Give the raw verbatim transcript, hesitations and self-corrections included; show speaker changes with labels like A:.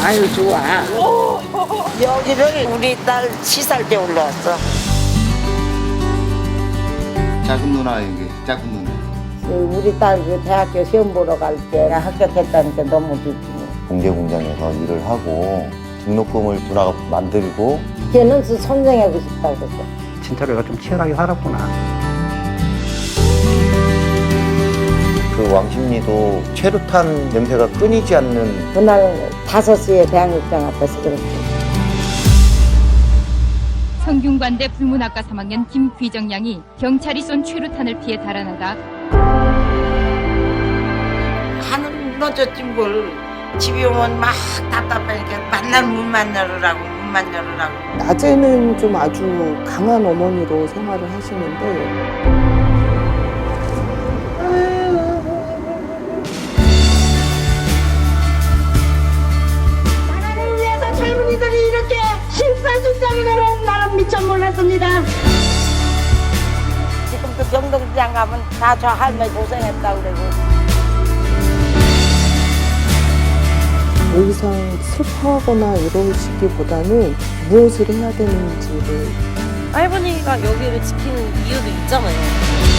A: 아유 좋아.
B: 여기를 우리 딸 시살 때 올라왔어.
C: 작은 누나 여기 작은 누나.
B: 우리 딸 그 대학교 시험 보러 갈 때 합격했다니까 너무 좋지.
D: 공개 공장에서 일을 하고 등록금을 누나가 만들고
B: 걔는 선생하고 싶다고 그랬어.
A: 진짜로 얘가 좀 치열하게 살았구나.
D: 그 왕십리도 최루탄 냄새가 끊이지 않는
B: 그날 다섯 시에 대학육장 앞에서 그랬지.
E: 성균관대 불문학과 삼 학년 김귀정 양이 경찰이 쏜 최루탄을 피해 달아나다
B: 하는 넣어줬지 뭘. 집에 오면 막 답답하니까 만날 문 만나라고 문 만나라고.
F: 낮에는 좀 아주 강한 어머니로 생활을 하시는데
G: 나라를 위해서 젊은이들이 이렇게 심사숙고하는 나는 미처 몰랐습니다.
B: 지금도 경동시장 가면 다 저 할머니 고생했다고 그러고.
F: 더 이상 슬퍼하거나 이러시기보다는 무엇을 해야 되는지를
H: 할머니가 여기를 지키는 이유도 있잖아요.